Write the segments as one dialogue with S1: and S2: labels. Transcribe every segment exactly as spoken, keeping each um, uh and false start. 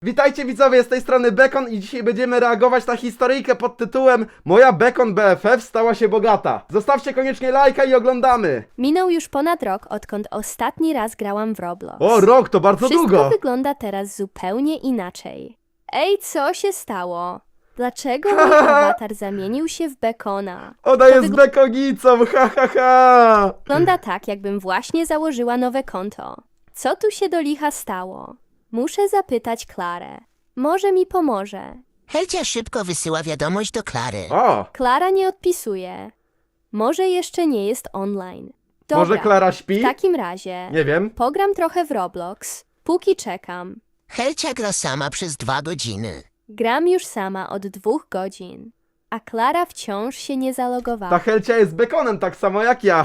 S1: Witajcie widzowie, z tej strony Bekon i dzisiaj będziemy reagować na historyjkę pod tytułem Moja Bekon B F F stała się bogata. Zostawcie koniecznie lajka i oglądamy.
S2: Minął już ponad rok, odkąd ostatni raz grałam w Roblox.
S1: O, rok to bardzo
S2: Wszystko
S1: długo.
S2: wygląda teraz zupełnie inaczej. Ej, co się stało? Dlaczego mój awatar zamienił się w Bekona?
S1: Ona
S2: To
S1: jest
S2: wygl-
S1: bekonicą, ha ha ha.
S2: Wygląda tak, jakbym właśnie założyła nowe konto. Co tu się do licha stało? Muszę zapytać Klarę. Może mi pomoże.
S3: Helcia szybko wysyła wiadomość do Klary.
S1: O,
S2: Klara nie odpisuje. Może jeszcze nie jest online. Dobra,
S1: może Klara śpi?
S2: w takim razie
S1: Nie wiem.
S2: pogram trochę w Roblox, póki czekam.
S3: Helcia gra sama przez dwa godziny.
S2: Gram już sama od dwóch godzin, a Klara wciąż się nie
S1: Ta
S2: zalogowała.
S1: Helcia jest bekonem tak samo jak ja.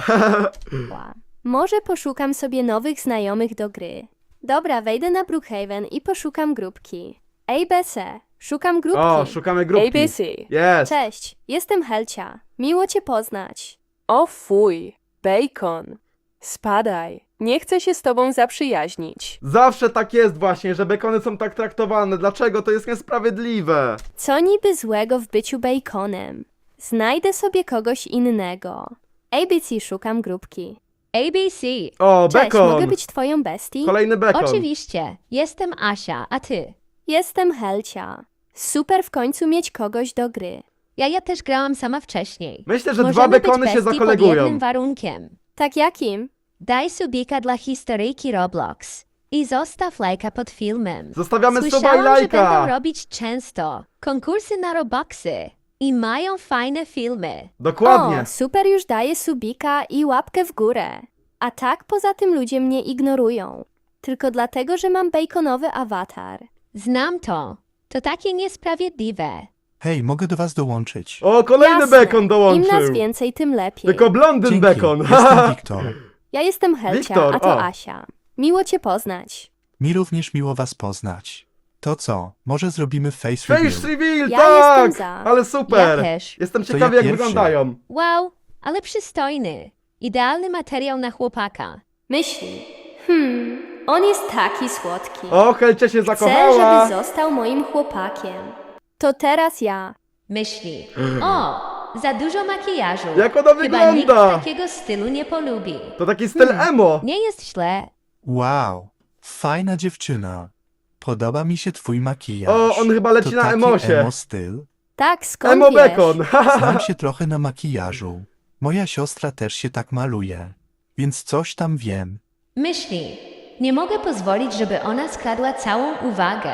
S2: Może poszukam sobie nowych znajomych do gry. Dobra, wejdę na Brookhaven i poszukam grupki. A B C, szukam grupki.
S1: O, szukamy grupki.
S4: A B C.
S1: Jest.
S2: Cześć, jestem Helcia. Miło cię poznać.
S4: O fuj, Bacon. Spadaj, nie chcę się z tobą zaprzyjaźnić.
S1: Zawsze tak jest właśnie, że bekony są tak traktowane. Dlaczego? To jest niesprawiedliwe.
S2: Co niby złego w byciu baconem? Znajdę sobie kogoś innego. A B C, szukam grupki.
S5: A B C.
S1: O,
S2: Cześć,
S1: bekon.
S2: mogę być twoją bestii?
S1: Kolejny bekon.
S5: Oczywiście. Jestem Asia, a ty?
S2: Jestem Helcia. Super w końcu mieć kogoś do gry.
S5: Ja, ja też grałam sama wcześniej.
S1: Myślę, że dwa
S5: Możemy
S1: bekony
S5: być
S1: się
S5: bestii
S1: zakolegują.
S5: pod jednym warunkiem.
S2: Tak jakim?
S5: Daj subika dla historyjki Roblox i zostaw lajka pod filmem.
S1: Zostawiamy suba i
S5: Słyszałam, że będą
S1: lajka.
S5: robić często konkursy na Robuxy i mają fajne filmy.
S1: Dokładnie.
S2: O, super, już daję subika i łapkę w górę. A tak poza tym ludzie mnie ignorują. Tylko dlatego, że mam baconowy awatar.
S5: Znam to. To takie niesprawiedliwe.
S6: Hej, mogę do was dołączyć.
S1: O, kolejny
S2: Jasne.
S1: bekon
S2: Im
S1: dołączył.
S2: nas więcej, tym lepiej.
S1: Tylko blondyn
S6: Dzięki,
S1: bekon.
S6: jestem Wiktor.
S2: Ja jestem Helcia,
S1: Wiktor,
S2: a to
S1: o.
S2: Asia. Miło cię poznać.
S6: Mi również miło was poznać. To co, może zrobimy face
S1: Face
S6: reveal?
S1: reveal,
S2: Ja
S1: tak!
S2: jestem za.
S1: Ale super!
S5: Ja też.
S1: Jestem
S6: To
S1: ciekawy
S6: ja
S1: jak
S6: pierwszy.
S1: wyglądają.
S5: Wow, ale przystojny. Idealny materiał na chłopaka.
S2: Myśli. Hmm, on jest taki słodki.
S1: O, Helcia się
S2: Chcę,
S1: zakochała.
S2: żeby został moim chłopakiem. To teraz ja.
S5: Myśli. O, za dużo makijażu.
S1: Jak ona
S5: Chyba nikt
S1: wygląda?
S5: takiego stylu nie polubi.
S1: To taki styl
S2: Hmm.
S1: emo.
S5: Nie jest źle.
S6: Wow, fajna dziewczyna. Podoba mi się twój makijaż.
S1: O, on chyba leci
S6: to
S1: na
S6: taki
S1: emosie.
S6: emo styl?
S2: Tak, skąd
S1: Emo
S2: wiesz?
S1: bekon.
S6: Znam się trochę na makijażu. Moja siostra też się tak maluje. Więc coś tam wiem.
S5: Myśli. Nie mogę pozwolić, żeby ona skradła całą uwagę.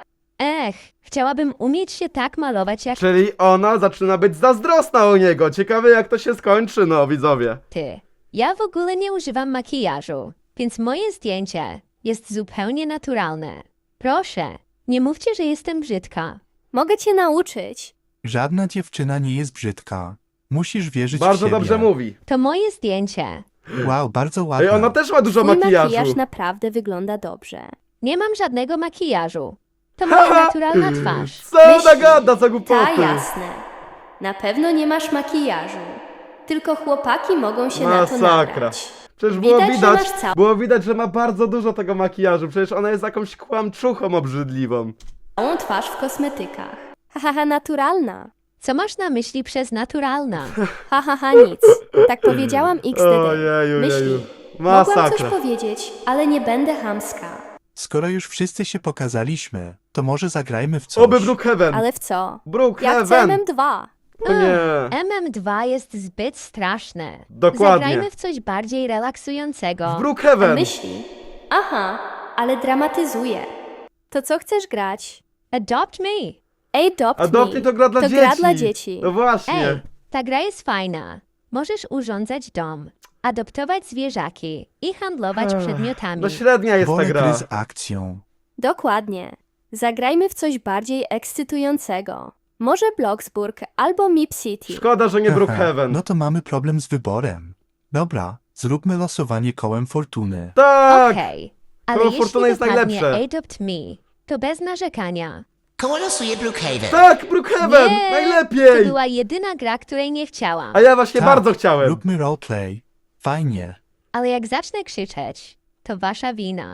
S5: Ech, chciałabym umieć się tak malować jak
S1: Czyli ona zaczyna być zazdrosna o niego. Ciekawe jak to się skończy, no widzowie.
S5: ty. Ja w ogóle nie używam makijażu, więc moje zdjęcie jest zupełnie naturalne. Proszę, nie mówcie, że jestem brzydka.
S2: Mogę cię nauczyć.
S6: Żadna dziewczyna nie jest brzydka. Musisz wierzyć w
S1: Bardzo
S6: siebie.
S1: dobrze mówi.
S5: To moje zdjęcie.
S6: Wow, bardzo ładna.
S1: Ej, ona też ma dużo
S2: Twój
S1: makijażu.
S2: makijaż naprawdę wygląda dobrze.
S5: Nie mam żadnego makijażu. To moja naturalna twarz.
S1: Co ona
S2: Myśli.
S1: gada za
S2: Ta,
S1: głupoty?
S2: jasne. Na pewno nie masz makijażu. Tylko chłopaki mogą się na to
S1: Masakra.
S2: nabrać.
S1: Przecież było
S2: Widać, że
S1: widać,
S2: masz cał-
S1: było widać, że ma bardzo dużo tego makijażu. Przecież ona jest jakąś kłamczuchą obrzydliwą.
S2: Całą twarz w kosmetykach. Hahaha, naturalna.
S5: Co masz na myśli przez naturalna?
S2: Hahaha, nic. Tak powiedziałam X D D.
S1: Ojeju,
S2: Myśli.
S1: jeju.
S2: Mogłam coś
S1: Masakra.
S2: powiedzieć, ale nie będę chamska.
S6: Skoro już wszyscy się pokazaliśmy, to może zagrajmy w coś.
S1: Oby Brookhaven.
S2: Ale w co? Ja chcę
S1: Brookhaven.
S2: M M dwa.
S1: O nie.
S5: M M dwa jest zbyt straszne.
S1: Dokładnie.
S5: Zagrajmy w coś bardziej relaksującego.
S1: W Brookhaven.
S2: Myśli. Aha, ale dramatyzuje. To co chcesz grać?
S5: Adopt me.
S2: Adopt
S1: Adopt
S2: me.
S1: Me to gra dla
S2: to
S1: dzieci.
S2: gra dla dzieci.
S1: No właśnie.
S5: Ej, ta gra jest fajna. Możesz urządzać dom, adoptować zwierzaki i handlować
S1: Ech,
S5: przedmiotami.
S1: No średnia jest ta
S6: Wolę
S1: gra.
S6: gry z akcją.
S2: Dokładnie. Zagrajmy w coś bardziej ekscytującego. Może Bloxburg albo Mip City.
S1: Szkoda, że nie
S6: Haha,
S1: Brookhaven.
S6: No to mamy problem z wyborem. Dobra, zróbmy losowanie kołem fortuny.
S1: Tak.
S5: Okej, ale
S1: Koło
S5: jeśli
S1: Fortuny jest
S5: wypadnie
S1: najlepsze.
S5: Adopt me, to bez narzekania.
S3: Koło losuje Brookhaven.
S1: Tak, Brookhaven.
S5: Nie, To
S1: Najlepiej.
S5: była jedyna gra, której nie chciałam.
S1: A ja właśnie
S6: Tak,
S1: bardzo chciałem.
S6: Róbmy roleplay. Fajnie.
S5: Ale jak zacznę krzyczeć, to wasza wina.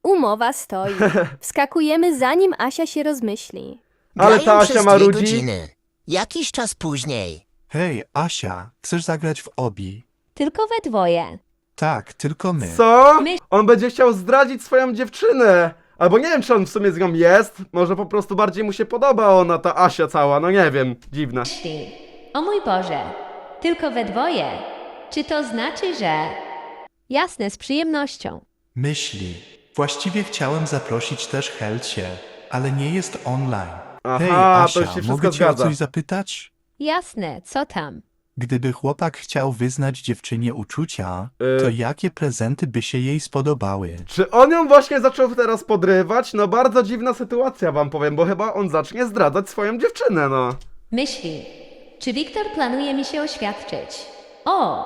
S2: Umowa stoi. Wskakujemy zanim Asia się rozmyśli.
S1: Ale
S3: Grają
S1: ta
S3: przez
S1: Asia
S3: dwie
S1: marudzi.
S3: godziny. Jakiś czas później.
S6: Hej, Asia, chcesz zagrać w obi?
S5: Tylko we dwoje.
S6: Tak, tylko my.
S1: Co?
S5: My-
S1: On będzie chciał zdradzić swoją dziewczynę. Albo nie wiem, czy on w sumie z nią jest. Może po prostu bardziej mu się podoba ona, ta Asia cała. No nie wiem, dziwne.
S5: Myśli. O mój Boże, tylko we dwoje. Czy to znaczy, że... Jasne, z przyjemnością.
S6: Myśli. Właściwie chciałem zaprosić też Helcie, ale nie jest online.
S1: Aha,
S6: Hej,
S1: to
S6: Asia,
S1: już się wszystko
S6: mogę cię o
S1: zgadza.
S6: coś zapytać?
S5: Jasne, co tam?
S6: Gdyby chłopak chciał wyznać dziewczynie uczucia,
S1: Y.
S6: to jakie prezenty by się jej spodobały?
S1: Czy on ją właśnie zaczął teraz podrywać? No bardzo dziwna sytuacja wam powiem, bo chyba on zacznie zdradzać swoją dziewczynę, no.
S5: Myśli. Czy Wiktor planuje mi się oświadczyć? O!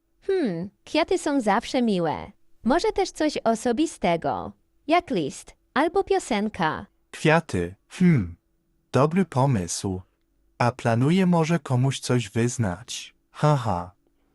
S5: Hmm, kwiaty są zawsze miłe. Może też coś osobistego, jak list albo piosenka.
S6: Kwiaty. Hmm. Dobry pomysł. A planuje może komuś coś wyznać. Haha.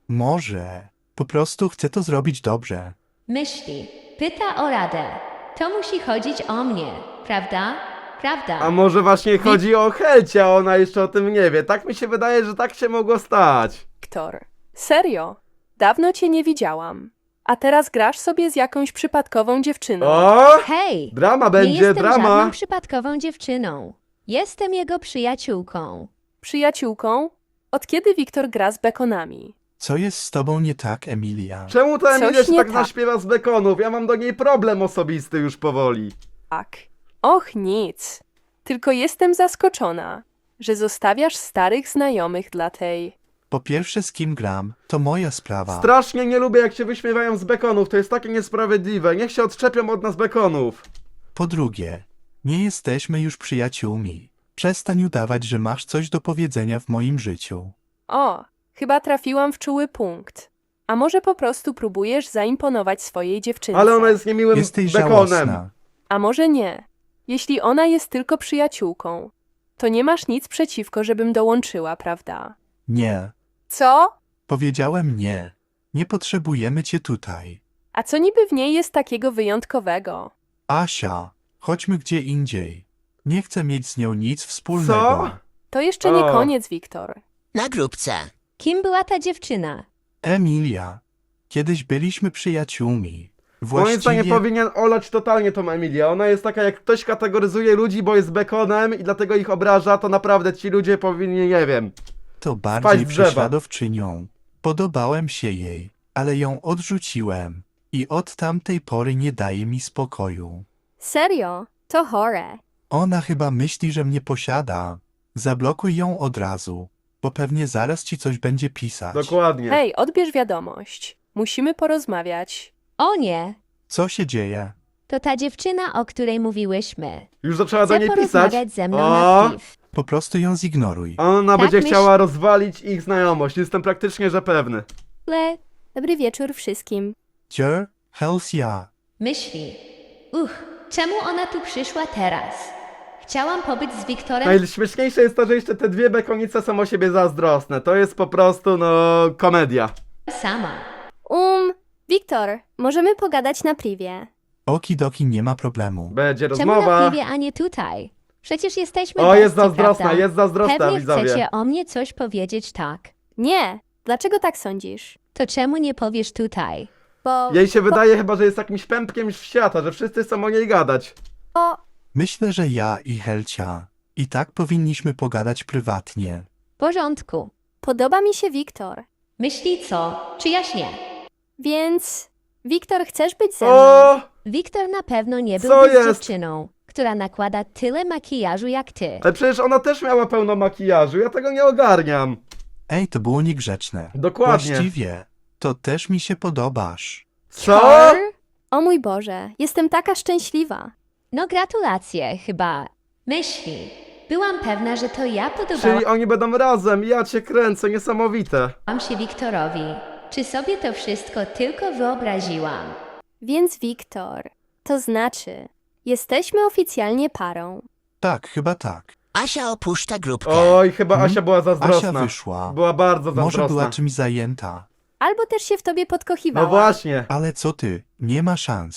S6: Może. Po prostu chcę to zrobić dobrze.
S5: Myśli. Pyta o radę. To musi chodzić o mnie, prawda? Prawda.
S1: A może właśnie chodzi o Helcie, a ona jeszcze o tym nie wie. Tak mi się wydaje, że tak się mogło stać.
S4: Wiktor, serio? Dawno cię nie widziałam. A teraz grasz sobie z jakąś przypadkową dziewczyną.
S1: O!
S5: Hej!
S1: Drama
S5: nie
S1: będzie,
S5: jestem
S1: drama.
S5: żadną przypadkową dziewczyną. Jestem jego przyjaciółką.
S4: Przyjaciółką? Od kiedy Wiktor gra z bekonami?
S6: Co jest z tobą nie tak, Emilia?
S1: Czemu ta Emilia
S4: Coś
S1: się
S4: nie
S1: tak
S4: tak.
S1: naśpiewa z bekonów? Ja mam do niej problem osobisty już powoli.
S4: Tak. Och, nic. Tylko jestem zaskoczona, że zostawiasz starych znajomych dla tej...
S6: Po pierwsze, z kim gram, to moja sprawa.
S1: Strasznie nie lubię, jak się wyśmiewają z bekonów. To jest takie niesprawiedliwe. Niech się odczepią od nas bekonów.
S6: Po drugie, nie jesteśmy już przyjaciółmi. Przestań udawać, że masz coś do powiedzenia w moim życiu.
S4: O, chyba trafiłam w czuły punkt. A może po prostu próbujesz zaimponować swojej dziewczynce?
S1: Ale ona jest niemiłym
S6: Jesteś
S1: bekonem.
S6: żałosna.
S4: A może nie? Jeśli ona jest tylko przyjaciółką, to nie masz nic przeciwko, żebym dołączyła, prawda?
S6: Nie.
S4: Co?
S6: Powiedziałem nie. Nie potrzebujemy cię tutaj.
S4: A co niby w niej jest takiego wyjątkowego?
S6: Asia, chodźmy gdzie indziej. Nie chcę mieć z nią nic wspólnego.
S1: Co?
S4: To jeszcze nie
S1: O.
S4: koniec, Wiktor.
S3: Na grupce.
S5: Kim była ta dziewczyna?
S6: Emilia, kiedyś byliśmy przyjaciółmi.
S1: Moim zdaniem
S6: Właściwie
S1: powinien olać totalnie tą Emilię. Ona jest taka, jak ktoś kategoryzuje ludzi, bo jest bekonem i dlatego ich obraża, to naprawdę ci ludzie powinni, nie wiem.
S6: to
S1: Spać
S6: bardziej
S1: z drzewa.
S6: prześladowczynią. Podobałem się jej, ale ją odrzuciłem. I od tamtej pory nie daje mi spokoju.
S2: Serio? To chore.
S6: Ona chyba myśli, że mnie posiada. Zablokuj ją od razu, bo pewnie zaraz ci coś będzie pisać.
S1: Dokładnie.
S4: Hej, odbierz wiadomość. Musimy porozmawiać.
S5: O nie!
S6: Co się dzieje?
S5: To ta dziewczyna, o której mówiłyśmy.
S1: Już zaczęła do
S5: Chce
S1: niej pisać.
S5: porozmawiać ze mną
S1: O,
S5: na piw.
S6: Po prostu ją zignoruj.
S1: ona
S5: Tak
S1: będzie
S5: myśl-
S1: chciała rozwalić ich znajomość. Jestem praktycznie, że pewny.
S5: Le,
S2: Dobry wieczór wszystkim.
S6: Cier, Helsia.
S5: myśli. Uch, czemu ona tu przyszła teraz? Chciałam pobyć z Wiktorem
S1: Najśmieszniejsze jest to, że jeszcze te dwie bekonice są o siebie zazdrosne. To jest po prostu, no, komedia.
S5: sama.
S2: Um, Wiktor, możemy pogadać na privie.
S6: Okidoki, nie ma problemu.
S1: Będzie
S5: Czemu na
S1: rozmowa.
S5: piwie, a nie tutaj? Przecież jesteśmy
S1: O,
S5: bestii,
S1: jest zazdrosna,
S5: prawda?
S1: jest zazdrosna,
S5: Pewnie
S1: widzowie.
S5: chcecie o mnie coś powiedzieć, tak.
S2: Nie, dlaczego tak sądzisz?
S5: To czemu nie powiesz tutaj?
S2: Bo...
S1: Jej się wydaje chyba, że jest jakimś pępkiem świata, że wszyscy chcą o niej gadać.
S2: bo...
S6: Myślę, że ja i Helcia i tak powinniśmy pogadać prywatnie.
S5: W porządku.
S2: Podoba mi się Wiktor.
S5: Myśli co? Czy jaśnie?
S2: Więc... Wiktor, chcesz być ze mną?
S1: O!
S5: Wiktor na pewno nie
S1: Co
S5: byłby z
S1: jest?
S5: dziewczyną, która nakłada tyle makijażu jak ty.
S1: Ale przecież ona też miała pełno makijażu, ja tego nie ogarniam.
S6: Ej, to było niegrzeczne.
S1: Dokładnie.
S6: Właściwie, to też mi się podobasz.
S1: Co?
S2: Or? O mój Boże, jestem taka szczęśliwa.
S5: No gratulacje, chyba. Myśli. Byłam pewna, że to ja
S1: Czyli
S5: podobałam
S1: oni będą razem, ja cię kręcę, niesamowite.
S5: się Wiktorowi. Czy sobie to wszystko tylko wyobraziłam?
S2: Więc Wiktor, to znaczy, jesteśmy oficjalnie parą.
S6: Tak, chyba tak.
S3: Asia opuszcza grupkę.
S1: Oj, chyba
S6: Hmm?
S1: Asia była zazdrosna.
S6: Asia wyszła.
S1: Była bardzo
S6: Może
S1: zazdrosna.
S6: była czymś zajęta.
S2: Albo też się w tobie podkochiwała.
S1: No właśnie.
S6: Ale co ty? Nie ma szans.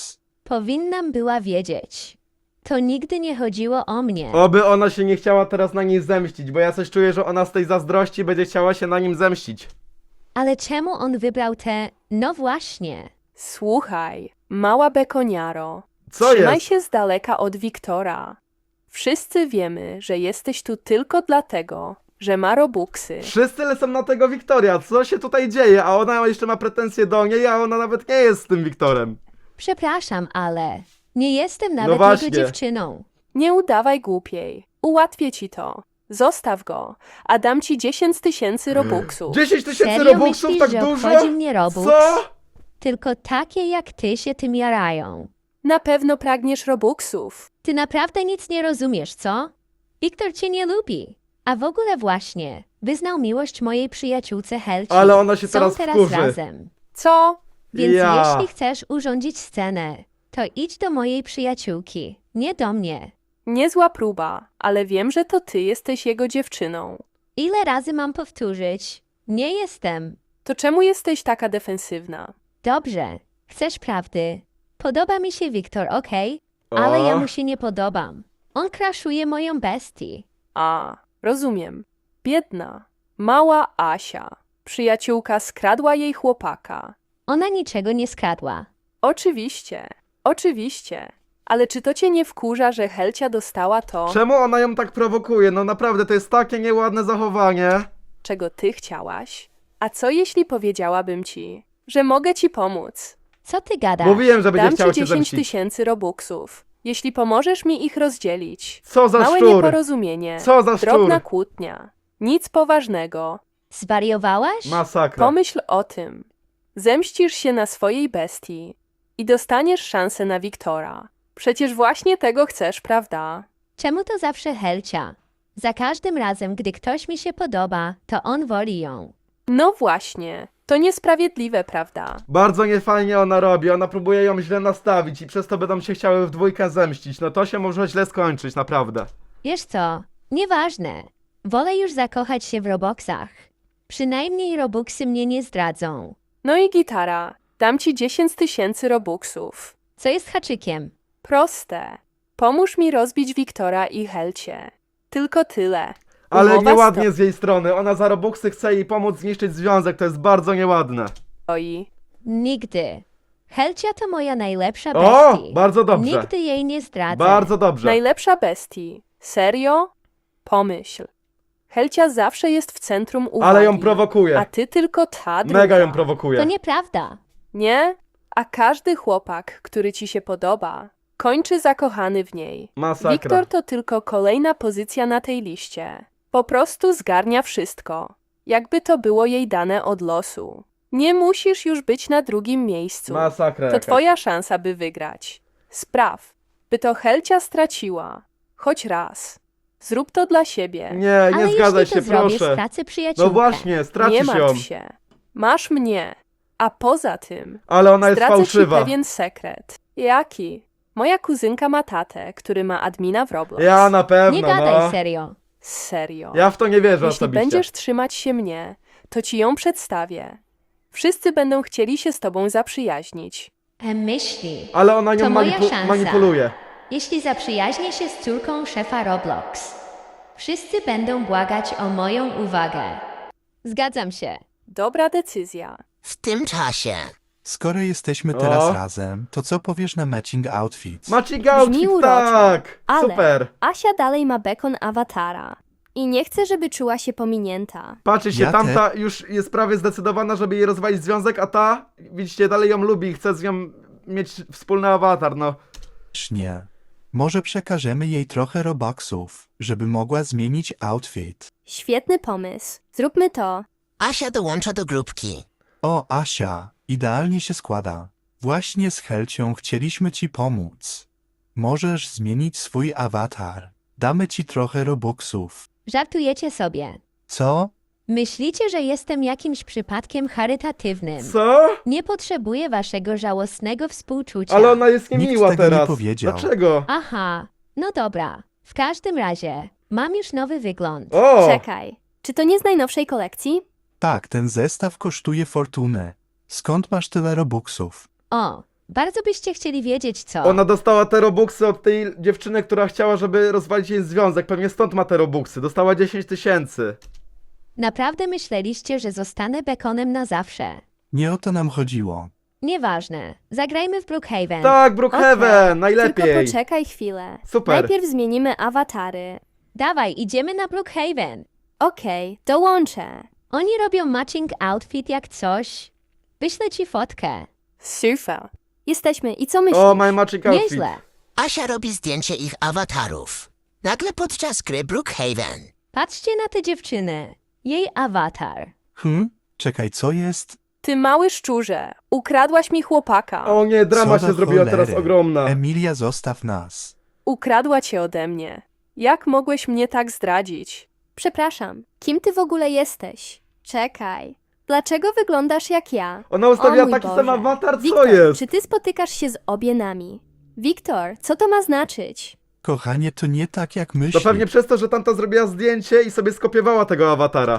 S5: Powinnam była wiedzieć. To nigdy nie chodziło o mnie.
S1: Oby ona się nie chciała teraz na niej zemścić, bo ja coś czuję, że ona z tej zazdrości będzie chciała się na nim zemścić.
S5: Ale czemu on wybrał te... No właśnie.
S4: Słuchaj, mała bekoniaro.
S1: Co
S4: Trzymaj
S1: jest?
S4: się z daleka od Wiktora. Wszyscy wiemy, że jesteś tu tylko dlatego, że ma robuxy.
S1: Wszyscy lecą na tego Wiktoria, co się tutaj dzieje? A ona jeszcze ma pretensje do niej, a ona nawet nie jest z tym Wiktorem.
S5: Przepraszam, ale... Nie jestem nawet
S1: właśnie.
S5: jego dziewczyną.
S4: Nie udawaj głupiej. Ułatwię ci to. Zostaw go, a dam ci dziesięć tysięcy robuxów.
S1: dziesięć tysięcy
S5: Serio
S1: robuxów,
S5: myślisz,
S1: tak
S5: że
S1: dużo?
S5: obchodzi mnie robux?
S1: Co?
S5: Tylko takie jak ty się tym jarają.
S4: Na pewno pragniesz robuxów.
S5: Ty naprawdę nic nie rozumiesz, co? Wiktor cię nie lubi. A w ogóle właśnie, wyznał miłość mojej przyjaciółce Helci.
S1: Ale ona się
S5: Są
S1: teraz
S5: teraz
S1: wkurzy.
S5: razem.
S4: Co?
S5: Więc
S1: Ja.
S5: jeśli chcesz urządzić scenę, to idź do mojej przyjaciółki, nie do mnie.
S4: Niezła próba, ale wiem, że to ty jesteś jego dziewczyną.
S5: Ile razy mam powtórzyć? Nie jestem.
S4: To czemu jesteś taka defensywna?
S5: Dobrze, chcesz prawdy. Podoba mi się Wiktor, okej? Ale ja
S1: O.
S5: mu się nie podobam. On kraszuje moją bestię.
S4: A, rozumiem. Biedna, mała Asia. Przyjaciółka skradła jej chłopaka.
S5: Ona niczego nie skradła.
S4: Oczywiście, oczywiście. Ale czy to cię nie wkurza, że Helcia dostała to,
S1: Czemu ona ją tak prowokuje? No naprawdę, to jest takie nieładne zachowanie.
S4: czego ty chciałaś? A co jeśli powiedziałabym ci, że mogę ci pomóc?
S5: Co ty gadasz?
S1: Mówiłem, że będzie
S4: Dam
S1: chciał
S4: ci
S1: się
S4: dziesięć
S1: zemścić.
S4: tysięcy robuxów, jeśli pomożesz mi ich rozdzielić.
S1: Co za
S4: Małe
S1: szczur?
S4: nieporozumienie,
S1: Co za szczur?
S4: drobna kłótnia, nic poważnego.
S5: Zwariowałaś?
S1: Masakra.
S4: Pomyśl o tym. Zemścisz się na swojej bestii i dostaniesz szansę na Wiktora. Przecież właśnie tego chcesz, prawda?
S5: Czemu to zawsze Helcia? Za każdym razem, gdy ktoś mi się podoba, to on woli ją.
S4: No właśnie, to niesprawiedliwe, prawda?
S1: Bardzo niefajnie ona robi, ona próbuje ją źle nastawić i przez to będą się chciały w dwójkę zemścić. No to się może źle skończyć, naprawdę.
S5: Wiesz co? Nieważne. Wolę już zakochać się w Robuxach. Przynajmniej Robuxy mnie nie zdradzą.
S4: No i gitara, dam ci dziesięć tysięcy robuxów.
S5: Co jest haczykiem?
S4: Proste. Pomóż mi rozbić Wiktora i Helcie. Tylko tyle.
S1: Ale
S4: Umowa
S1: nieładnie z jej strony, ona za robuxy chce jej pomóc zniszczyć związek, to jest bardzo nieładne.
S4: stoi.
S5: Nigdy. Helcia to moja najlepsza
S1: O,
S5: bestia.
S1: bardzo dobrze.
S5: Nigdy jej nie zdradzę.
S1: Bardzo dobrze.
S4: Najlepsza bestii. Serio? Pomyśl. Helcia zawsze jest w centrum uwagi.
S1: Ale ją
S4: A
S1: prowokuje.
S4: ty tylko ta druga.
S1: Mega ją
S5: To
S1: prowokuje.
S5: nieprawda.
S4: Nie? A każdy chłopak, który ci się podoba, kończy zakochany w niej.
S1: Masakra.
S4: Wiktor to tylko kolejna pozycja na tej liście. Po prostu zgarnia wszystko. Jakby to było jej dane od losu. Nie musisz już być na drugim miejscu.
S1: Masakra
S4: To
S1: jakaś.
S4: twoja szansa, by wygrać. Spraw, by to Helcia straciła. Choć raz. Zrób to dla siebie.
S1: Nie,
S5: Ale
S1: nie zgadzaj
S5: jeśli to
S1: się,
S5: zrobię,
S1: proszę.
S5: stracę przyjaciółkę.
S1: No właśnie,
S4: Nie
S1: stracisz ją.
S4: martw się. Masz mnie. A poza tym,
S1: Ale ona jest
S4: zdradzę ci
S1: fałszywa.
S4: pewien sekret. Jaki? Moja kuzynka ma tatę, który ma admina w Roblox.
S1: Ja na pewno,
S5: Nie gadaj
S1: no.
S5: serio.
S4: Serio.
S1: Ja w to nie wierzę
S4: Jeśli
S1: osobiście.
S4: będziesz trzymać się mnie, to ci ją przedstawię. Wszyscy będą chcieli się z tobą zaprzyjaźnić.
S5: E, myśli.
S1: Ale ona nią
S5: To moja
S1: manipu-
S5: szansa.
S1: manipuluje.
S5: Jeśli zaprzyjaźnię się z córką szefa Roblox, wszyscy będą błagać o moją uwagę. Zgadzam się.
S4: Dobra decyzja.
S3: W tym czasie.
S6: Skoro jesteśmy teraz
S1: O.
S6: razem, to co powiesz na matching outfits?
S1: Matching outfit,
S2: uroczo,
S1: tak!
S2: ale-
S1: Super!
S2: Asia dalej ma bekon awatara. I nie chce, żeby czuła się pominięta.
S1: Patrzcie się,
S6: Ja
S1: tamta już jest prawie zdecydowana, żeby jej rozwalić związek, a ta, widzicie, dalej ją lubi i chce z nią mieć wspólny awatar, no.
S6: Nie. Może przekażemy jej trochę robuxów, żeby mogła zmienić outfit.
S2: Świetny pomysł. Zróbmy to.
S3: Asia dołącza do grupki.
S6: O, Asia, idealnie się składa. Właśnie z Helcią chcieliśmy ci pomóc. Możesz zmienić swój awatar. Damy ci trochę robuxów.
S5: Żartujecie sobie.
S6: Co?
S5: Myślicie, że jestem jakimś przypadkiem charytatywnym.
S1: Co?
S5: Nie potrzebuję waszego żałosnego współczucia.
S1: Ale ona jest
S6: Nikt
S1: niemiła
S6: tego nie
S1: teraz.
S6: powiedział.
S1: Dlaczego?
S5: Aha, no dobra. W każdym razie, mam już nowy wygląd.
S1: O!
S2: Czekaj. Czy to nie z najnowszej kolekcji?
S6: Tak, ten zestaw kosztuje fortunę. Skąd masz tyle robuxów?
S5: O, Bardzo byście chcieli wiedzieć co.
S1: Ona dostała te robuxy od tej dziewczyny, która chciała, żeby rozwalić jej związek. Pewnie stąd ma te robuxy. Dostała dziesięć tysięcy.
S5: Naprawdę myśleliście, że zostanę bekonem na zawsze.
S6: Nie o to nam chodziło.
S5: Nieważne. Zagrajmy w Brookhaven.
S1: Tak, Brookhaven, najlepiej.
S2: Tylko poczekaj chwilę.
S1: Super.
S2: Najpierw zmienimy awatary.
S5: Dawaj, idziemy na Brookhaven.
S2: Okej, dołączę.
S5: Oni robią matching outfit jak coś. Wyślę ci fotkę.
S4: Super.
S2: Jesteśmy i co myślisz?
S1: O, my matching outfit.
S5: Nieźle.
S3: Asia robi zdjęcie ich awatarów. Nagle podczas gry Brookhaven.
S5: Patrzcie na tę dziewczynę. Jej awatar.
S6: Hm? Czekaj, co jest?
S4: Ty mały szczurze, ukradłaś mi chłopaka.
S1: O nie, drama
S6: Co
S1: się
S6: do
S1: zrobiła teraz
S6: cholery.
S1: ogromna.
S6: Emilia, zostaw nas.
S4: Ukradła cię ode mnie. Jak mogłeś mnie tak zdradzić?
S2: Przepraszam, kim ty w ogóle jesteś? Czekaj. Dlaczego wyglądasz jak ja?
S1: Ona ustawiła
S2: O mój
S1: taki
S2: Boże.
S1: sam awatar, co
S2: Wiktor,
S1: jest?
S2: czy ty spotykasz się z obienami? Wiktor, co to ma znaczyć?
S6: Kochanie, to nie tak jak
S1: To
S6: myślisz.
S1: pewnie przez to, że tamta zrobiła zdjęcie i sobie skopiowała tego awatara.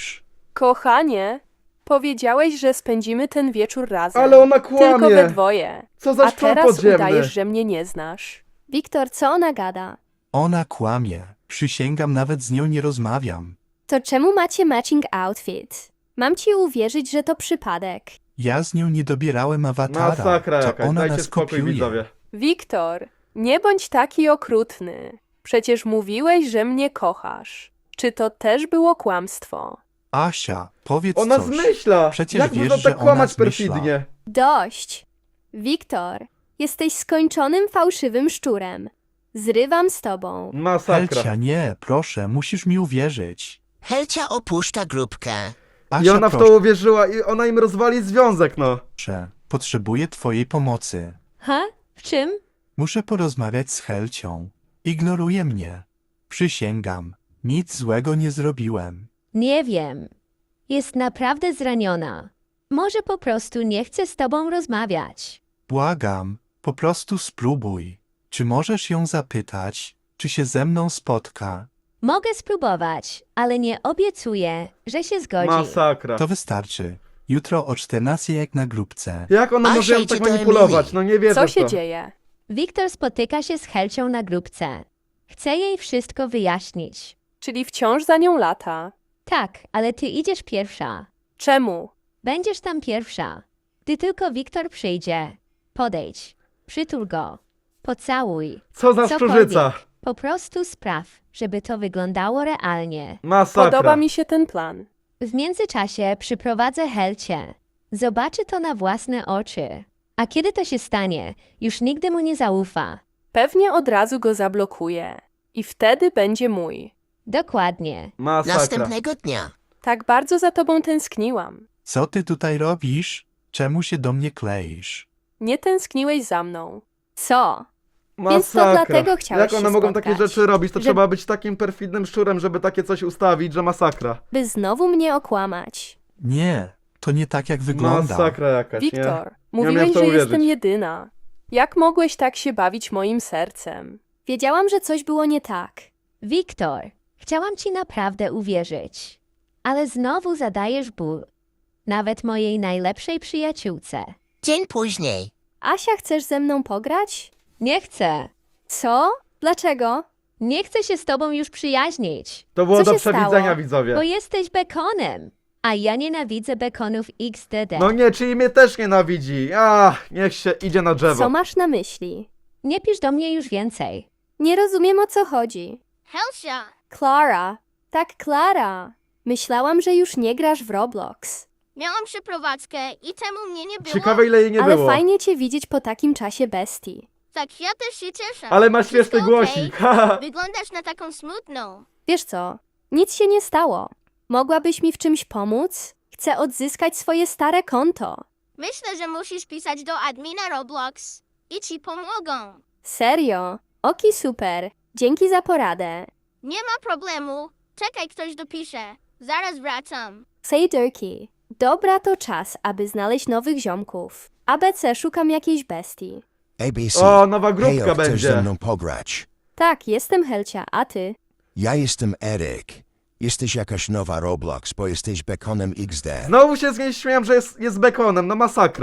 S4: Kochanie, powiedziałeś, że spędzimy ten wieczór razem.
S1: Ale ona
S4: Tylko we
S1: kłamie.
S4: dwoje.
S1: Co za
S4: A
S1: szczur
S4: teraz
S1: podziemny.
S4: udajesz, że mnie nie znasz.
S2: Wiktor, co ona gada?
S6: Ona kłamie. Przysięgam, nawet z nią nie rozmawiam.
S2: To czemu macie matching outfit? Mam ci uwierzyć, że to przypadek.
S6: Ja z nią nie dobierałem awatara.
S1: Masakra
S6: to
S1: jakaś,
S6: ona
S1: dajcie
S6: nas
S1: spokój
S6: kopiuje.
S1: widzowie.
S4: Wiktor, nie bądź taki okrutny. Przecież mówiłeś, że mnie kochasz. Czy to też było kłamstwo?
S6: Asia, powiedz
S1: Ona
S6: coś.
S1: zmyśla!
S6: Przecież
S1: Jak
S6: wiesz,
S1: można
S6: że
S1: tak
S6: ona
S1: kłamać
S6: zmyśla.
S1: perfidnie?
S2: Dość! Wiktor, jesteś skończonym fałszywym szczurem. Zrywam z tobą.
S1: Masakra.
S6: Helcia, nie, proszę, musisz mi uwierzyć.
S3: Helcia opuszcza grupkę.
S6: Asia,
S1: I ona w
S6: proszę,
S1: to uwierzyła i ona im rozwali związek, no.
S6: potrzebuję twojej pomocy.
S5: Ha? W czym?
S6: Muszę porozmawiać z Helcią. Ignoruje mnie. Przysięgam, nic złego nie zrobiłem.
S5: Nie wiem. Jest naprawdę zraniona. Może po prostu nie chce z tobą rozmawiać.
S6: Błagam, po prostu spróbuj. Czy możesz ją zapytać, czy się ze mną spotka?
S5: Mogę spróbować, ale nie obiecuję, że się zgodzi.
S1: Masakra.
S6: To wystarczy. Jutro o czternastej jak na grupce.
S1: Jak ona
S3: Asia
S1: może ją
S3: idzie
S1: tak
S3: do
S1: manipulować?
S3: Emilii.
S1: No nie wierzę
S4: Co
S1: w
S4: się
S1: to.
S4: dzieje?
S5: Wiktor spotyka się z Helcią na grupce. Chce jej wszystko wyjaśnić.
S4: Czyli wciąż za nią lata.
S5: Tak, ale ty idziesz pierwsza.
S4: Czemu?
S5: Będziesz tam pierwsza. Gdy tylko Wiktor przyjdzie, podejdź, przytul go, pocałuj.
S1: Co za
S5: Cokolwiek.
S1: szczurzyca.
S5: Po prostu spraw, żeby to wyglądało realnie.
S1: Masakra.
S4: Podoba mi się ten plan.
S5: W międzyczasie przyprowadzę Helcię. Zobaczy to na własne oczy. A kiedy to się stanie, już nigdy mu nie zaufa.
S4: Pewnie od razu go zablokuję. I wtedy będzie mój.
S5: Dokładnie.
S1: Masakra.
S3: Następnego dnia.
S4: Tak bardzo za tobą tęskniłam.
S6: Co ty tutaj robisz? Czemu się do mnie kleisz?
S4: Nie tęskniłeś za mną.
S2: Co?
S1: Masakra.
S2: Więc to dlatego chciałeś
S1: Jak one
S2: się
S1: mogą
S2: spotkać?
S1: takie rzeczy robić? To
S2: Że-
S1: trzeba być takim perfidnym szczurem, żeby takie coś ustawić, że masakra.
S2: By znowu mnie okłamać.
S6: Nie, to nie tak jak wygląda.
S1: Masakra jakaś, nie?
S4: Wiktor,
S1: Nie umiem
S4: mówiłeś,
S1: w to
S4: że
S1: uwierzyć.
S4: jestem jedyna. Jak mogłeś tak się bawić moim sercem?
S2: Wiedziałam, że coś było nie tak.
S5: Wiktor, chciałam ci naprawdę uwierzyć. Ale znowu zadajesz ból. Nawet mojej najlepszej przyjaciółce.
S3: Dzień później.
S2: Asia, chcesz ze mną pograć?
S5: Nie chcę.
S2: Co? Dlaczego?
S5: Nie chcę się z tobą już przyjaźnić.
S1: To było
S2: Co
S1: do
S2: się
S1: przewidzenia,
S2: stało?
S1: widzowie.
S5: Bo jesteś bekonem. A ja nienawidzę bekonów X D D.
S1: No nie, czyli mnie też nienawidzi. Ach, niech się idzie na drzewo.
S2: Co masz na myśli?
S5: Nie pisz do mnie już więcej.
S2: Nie rozumiem, o co chodzi.
S7: Helsia!
S2: Clara. Tak, Klara. Myślałam, że już nie grasz w Roblox.
S7: Miałam przeprowadzkę i temu mnie nie było.
S1: Ciekawe ile jej nie
S2: Ale
S1: było.
S2: fajnie cię widzieć po takim czasie bestii.
S7: Tak, ja też się cieszę.
S1: Ale ma śmieszny
S7: Wszystko
S1: głosik.
S7: okej?
S1: haha.
S7: Wyglądasz na taką smutną.
S2: Wiesz co? Nic się nie stało. Mogłabyś mi w czymś pomóc? Chcę odzyskać swoje stare konto.
S7: Myślę, że musisz pisać do admina Roblox i ci pomogą.
S2: Serio? Oki super. Dzięki za poradę.
S7: Nie ma problemu. Czekaj, ktoś dopisze. Zaraz wracam.
S2: Sejderki. Dobra, to czas, aby znaleźć nowych ziomków. A B C szukam jakiejś bestii.
S8: A B C.
S1: O, nowa grupka
S8: Hejo, chcesz
S1: będzie.
S8: ze mną pograć?
S2: Tak, jestem Helcia, a ty?
S8: Ja jestem Eryk. Jesteś jakaś nowa Roblox, bo jesteś bekonem X D.
S1: Znowu się z niej śmiałem, że jest, jest bekonem, no masakra.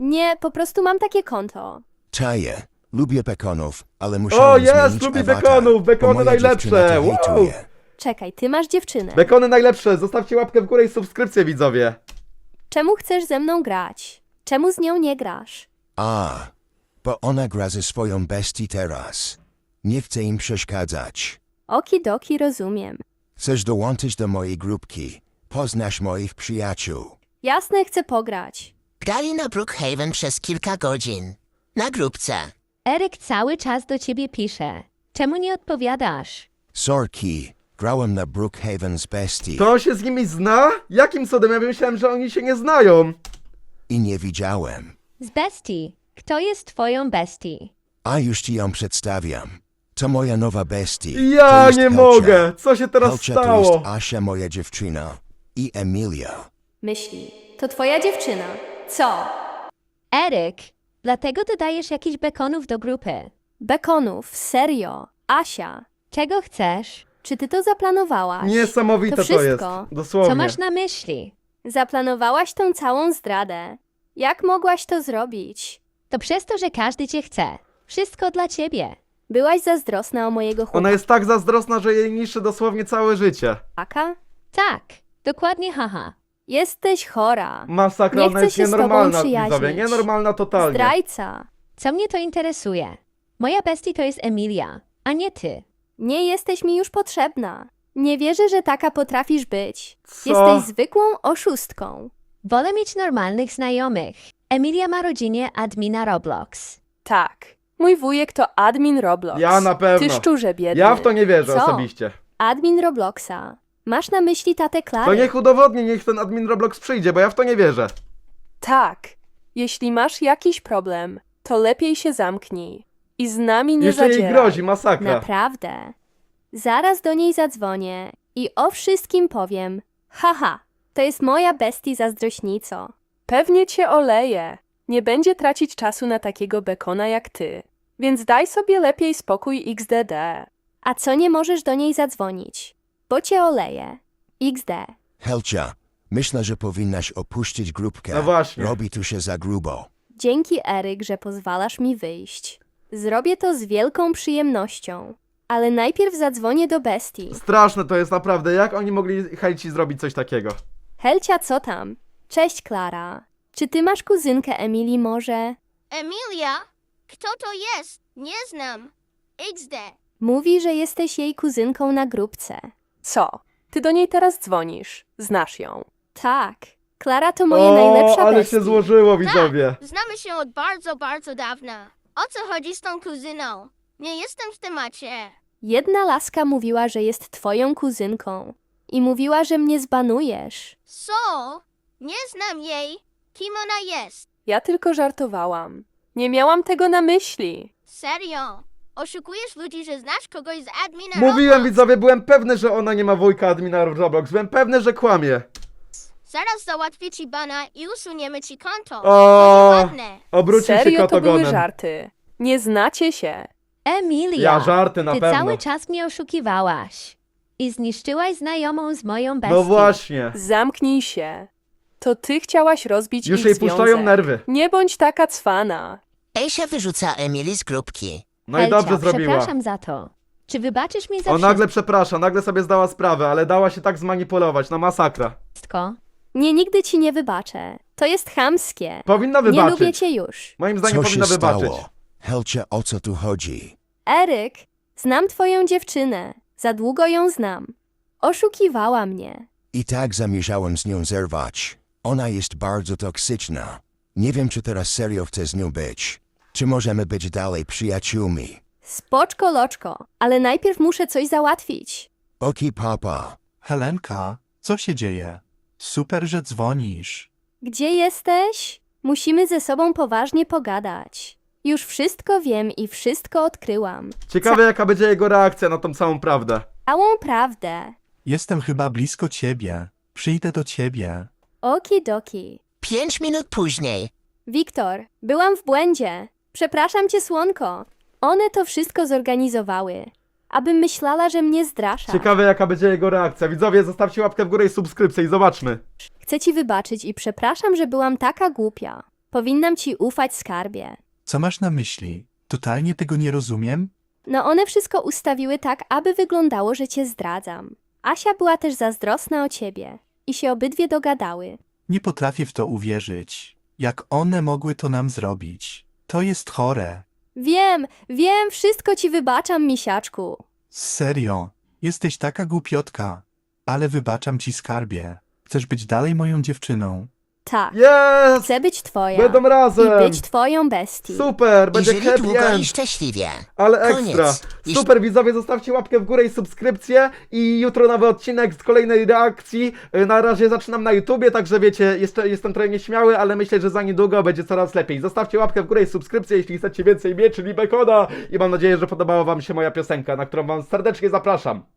S2: Nie, po prostu mam takie konto.
S8: Czaję. Lubię bekonów, ale muszę
S1: O,
S8: zmienić
S1: jest, lubi
S8: awatar,
S1: bekonów,
S8: bo
S1: bekony
S8: moja
S1: najlepsze,
S8: dziewczyna to
S1: wow.
S8: hejtuje.
S2: Czekaj, ty masz dziewczynę.
S1: Bekony najlepsze, zostawcie łapkę w górę i subskrypcję, widzowie.
S2: Czemu chcesz ze mną grać? Czemu z nią nie grasz?
S8: A, bo ona gra ze swoją bestii teraz. Nie chcę im przeszkadzać.
S2: Okidoki, rozumiem.
S8: Chcesz dołączyć do mojej grupki. Poznasz moich przyjaciół.
S2: Jasne, chcę pograć.
S3: Grali na Brookhaven przez kilka godzin. Na grupce.
S5: Eryk cały czas do ciebie pisze. Czemu nie odpowiadasz?
S8: Sorki, grałem na Brookhaven z bestii
S1: To on się z nimi zna? Jakim cudem? Ja myślałem, że oni się nie znają.
S8: i nie widziałem.
S5: Z bestii. Kto jest twoją bestii?
S8: A już ci ją przedstawiam. To moja nowa bestia.
S1: Ja
S8: To jest
S1: nie
S8: Helcia.
S1: mogę! Co się teraz
S8: Helcia to
S1: stało?
S8: jest Asia, moja dziewczyna. I Emilia.
S2: Myśli. To twoja dziewczyna. Co?
S5: Eryk, dlatego dodajesz jakichś bekonów do grupy.
S2: Bekonów, serio. Asia,
S5: Czego chcesz?
S2: czy ty to zaplanowałaś?
S1: Niesamowite
S2: To
S1: to, jest.
S2: wszystko.
S1: Dosłownie.
S5: Co masz na myśli?
S2: Zaplanowałaś tą całą zdradę. Jak mogłaś to zrobić?
S5: To przez to, że każdy cię chce. Wszystko dla ciebie.
S2: Byłaś zazdrosna o mojego
S1: Ona jest tak zazdrosna, że jej niszczy dosłownie całe życie.
S2: chłopaka?
S5: Tak, dokładnie haha.
S2: Jesteś chora.
S1: Masakra,
S2: Nie
S1: ona
S2: chcę
S1: jest
S2: się z tobą
S1: nienormalna,
S2: przyjaźnić.
S1: widzowie. Nienormalna totalnie.
S2: Zdrajca.
S5: Co mnie to interesuje? Moja bestii to jest Emilia, a nie ty.
S2: Nie jesteś mi już potrzebna. Nie wierzę, że taka potrafisz być.
S1: Co?
S2: Jesteś zwykłą oszustką.
S5: Wolę mieć normalnych znajomych. Emilia ma rodzinę admina Roblox.
S4: Tak. Mój wujek to admin Roblox.
S1: Ja na pewno.
S4: Ty szczurze biedny.
S1: Ja w to nie wierzę
S2: Co?
S1: osobiście.
S2: Admin Robloxa. Masz na myśli tatę Klary?
S1: To niech udowodni, niech ten admin Roblox przyjdzie, bo ja w to nie wierzę.
S4: Tak. Jeśli masz jakiś problem, to lepiej się zamknij. I z nami nie
S1: Jeszcze jej
S4: zadzieraj.
S1: grozi, masakra.
S2: Naprawdę. Zaraz do niej zadzwonię i o wszystkim powiem. Haha, to jest moja bestii zazdrośnico.
S4: Pewnie cię oleje. Nie będzie tracić czasu na takiego bekona jak ty. Więc daj sobie lepiej spokój iks de de.
S2: A co nie możesz do niej zadzwonić? Bo cię oleje. iks de.
S8: Helcia, myślę, że powinnaś opuścić grupkę.
S1: No właśnie.
S8: Robi tu się za grubo.
S2: Dzięki, Eryk, że pozwalasz mi wyjść. Zrobię to z wielką przyjemnością. Ale najpierw zadzwonię do bestii.
S1: Straszne to jest naprawdę. Jak oni mogli Helci zrobić coś takiego?
S2: Helcia, co tam? Cześć, Klara. Czy ty masz kuzynkę Emilii może?
S7: Emilia? Kto to jest? Nie znam. iks de.
S2: Mówi, że jesteś jej kuzynką na grupce.
S4: Co? Ty do niej teraz dzwonisz. Znasz ją.
S2: Tak. Klara to moja
S1: O,
S2: najlepsza
S1: ale
S2: bestii.
S1: się złożyło, widzowie.
S7: Tak, znamy się od bardzo, bardzo dawna. O co chodzi z tą kuzyną? Nie jestem w temacie.
S2: Jedna laska mówiła, że jest twoją kuzynką. I mówiła, że mnie zbanujesz.
S7: Co? Nie znam jej. Kim ona jest?
S4: Ja tylko żartowałam. Nie miałam tego na myśli.
S7: Serio? Oszukujesz ludzi, że znasz kogoś z admina
S1: Mówiłem,
S7: Roblox?
S1: widzowie, byłem pewny, że ona nie ma wujka admina Roblox. Byłem pewny, że kłamie.
S7: Zaraz załatwię ci bana i usuniemy ci konto.
S1: O,
S7: Będzie ładne.
S1: obrócił się
S4: Serio, to były
S1: kotogonem.
S4: żarty. Nie znacie się.
S5: Emilia,
S1: Ja żarty na
S5: ty
S1: pewno.
S5: cały czas mnie oszukiwałaś. I zniszczyłaś znajomą z moją bestią.
S1: No właśnie.
S4: Zamknij się. To ty chciałaś rozbić
S1: Już
S4: ich
S1: jej
S4: związek.
S1: puszczają nerwy.
S4: Nie bądź taka cwana.
S3: Asia wyrzuca Emily z grupki.
S1: No i
S5: Helcia,
S1: dobrze zrobiła.
S5: przepraszam za to. Czy wybaczysz mi za
S1: On nagle przeprasza, nagle sobie zdała sprawę, ale dała się tak zmanipulować, na masakra.
S5: wszystko?
S2: Nie, nigdy ci nie wybaczę. To jest chamskie.
S1: Powinna
S2: Nie
S1: wybaczyć.
S2: lubię cię już.
S1: Moim zdaniem
S8: Co
S1: powinna
S8: się
S1: wybaczyć.
S8: stało? Helcia, o co tu chodzi?
S2: Eryk, znam twoją dziewczynę. Za długo ją znam. Oszukiwała mnie.
S8: I tak zamierzałem z nią zerwać. Ona jest bardzo toksyczna. Nie wiem, czy teraz serio chcę z nią być. Czy możemy być dalej przyjaciółmi?
S2: Spoczko, loczko, ale najpierw muszę coś załatwić.
S8: Oki, papa.
S6: Helenka, co się dzieje? Super, że dzwonisz.
S2: Gdzie jesteś? Musimy ze sobą poważnie pogadać. Już wszystko wiem i wszystko odkryłam.
S1: Ciekawe jaka będzie jego reakcja na tą całą prawdę.
S2: Całą prawdę.
S6: Jestem chyba blisko ciebie. Przyjdę do ciebie.
S2: Okidoki.
S3: Pięć minut później.
S2: Wiktor, byłam w błędzie. Przepraszam cię, słonko. One to wszystko zorganizowały. Abym myślała, że mnie zdrasza.
S1: Ciekawe jaka będzie jego reakcja. Widzowie, zostawcie łapkę w górę i subskrypcję i zobaczmy.
S2: Chcę ci wybaczyć i przepraszam, że byłam taka głupia. Powinnam ci ufać, skarbie.
S6: Co masz na myśli? Totalnie tego nie rozumiem?
S2: No one wszystko ustawiły tak, aby wyglądało, że cię zdradzam. Asia była też zazdrosna o ciebie. I się obydwie dogadały.
S6: Nie potrafię w to uwierzyć. Jak one mogły to nam zrobić? To jest chore.
S2: Wiem, wiem, wszystko ci wybaczam, misiaczku.
S6: Serio, jesteś taka głupiotka. Ale wybaczam ci, skarbie. Chcesz być dalej moją dziewczyną.
S2: Tak,
S1: Jest!
S2: chcę być twoja.
S1: Będą razem!
S2: I być twoją bestii.
S1: Super, będzie
S3: I żyli
S1: happy
S3: długo i
S1: end.
S3: szczęśliwie.
S1: Ale
S3: Koniec.
S1: ekstra.
S3: I-
S1: Super widzowie, zostawcie łapkę w górę i subskrypcję i jutro nowy odcinek z kolejnej reakcji. Yy, Na razie zaczynam na YouTubie, także wiecie, jeszcze jestem trochę nieśmiały, ale myślę, że za niedługo będzie coraz lepiej. Zostawcie łapkę w górę i subskrypcję, jeśli chcecie więcej mieczy i bekona i mam nadzieję, że podobała wam się moja piosenka, na którą wam serdecznie zapraszam.